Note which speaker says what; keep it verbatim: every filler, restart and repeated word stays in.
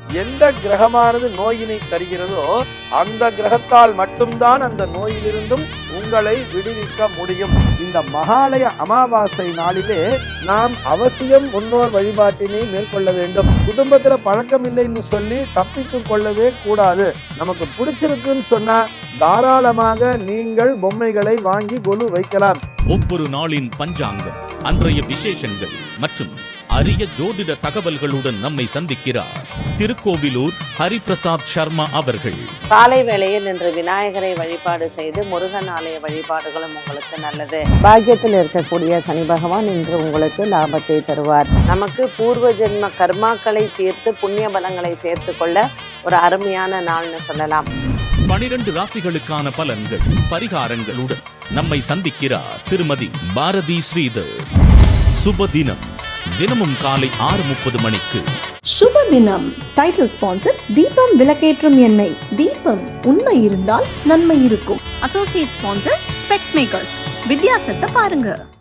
Speaker 1: எந்த கிரகமானது நோயினை தருகிறதோ அந்த கிரகத்தால் மட்டும்தான் அந்த நோயிலிருந்தும் உங்களை விடுவிக்க முடியும். இந்த மகாலய அமாவாசை நாளிலே நாம் அவசியம் முன்னோர் வழிபாட்டினை மேற்கொள்ள வேண்டும். குடும்பத்துல பழக்கம் இல்லைன்னு சொல்லி தப்பித்துக் கொள்ளவே கூடாது. நமக்கு பிடிச்சிருக்குன்னு சொன்னா தாராளமாக நீங்கள் பொம்மைகளை வாங்கி கொலு வைக்கலாம்.
Speaker 2: ஒவ்வொரு நாளின் பஞ்சாங்கம், அன்றைய விசேஷங்கள் மற்றும் அரிய ஜோதிட தகவல்களுடன் நம்மை சந்திக்கிறார் திருக்கோவிலூர் ஹரிபிரசாத் சர்மா அவர்கள்.
Speaker 3: காலை வேளையில் இன்று விநாயகரை வழிபாடு செய்து முருகன் ஆலய வழிபாடுகளும் உங்களுக்கு நல்லது. பாக்கியத்தில் இருக்கக்கூடிய சனி பகவான் இன்று உங்களுக்கு லாபத்தை தருவார். நமக்கு பூர்வ ஜென்ம கர்மாக்களை தீர்த்து புண்ணிய பலங்களை சேர்த்து கொள்ள ஒரு அருமையான நாள்னு சொல்லலாம்.
Speaker 2: பனிரெண்டு ராசிகளுக்கான பலன்கள் பரிகாரங்களுடன் நம்மை சந்திக்கிறார் திருமதி பாரதி ஸ்ரீதர். சுப தினம் தினமும் காலை ஆறு முப்பது மணிக்கு.
Speaker 4: சுப தினம் டைட்டில் ஸ்பான்சர் தீபம் விளக்கேற்றும் எண்ணெய். தீபம் உண்மை இருந்தால் நன்மை இருக்கும்.
Speaker 5: Associate sponsor specs makers. வித்தியாசத்தை பாருங்க.